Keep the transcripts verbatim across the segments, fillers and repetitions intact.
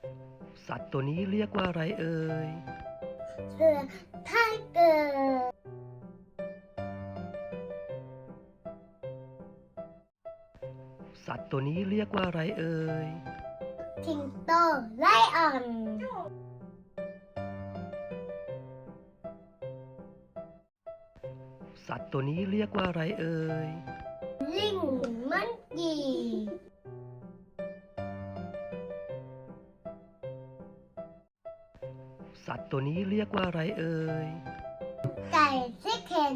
สัตว์ตัวนี้เรียกว่าอะไรเอ่ยเสือไทเกอร์สัตว์ตัวนี้เรียกว่าอะไรเอ่ยสิงโตไลออนสัตว์ตัวนี้เรียกว่าอะไรเอ่ยลิงมันกีสัตว์ตัวนี้เรียกว่าอะไรเอ่ยไก่ซิเคน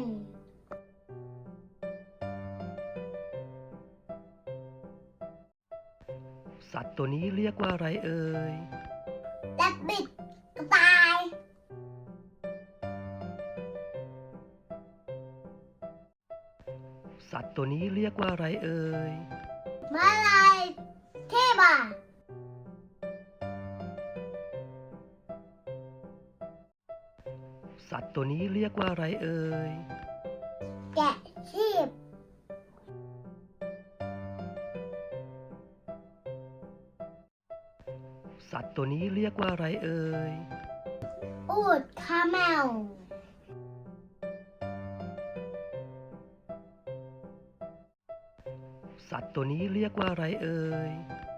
สัตว์ตัวนี้เรียกว่าอะไรเอ่ยแรบบิทกระต่ายสัตว์ตัวนี้เรียกว่าอะไรเอ่ยมาลายเทบาสัตว์ตัวนี้เรียกว่าอะไรเอ่ยแกะชีพสัตว์ตัวนี้เรียกว่าอะไรเอ่ยอูฐคาแมวสัตว์ตัวนี้เรียกว่าอะไรเอ่ย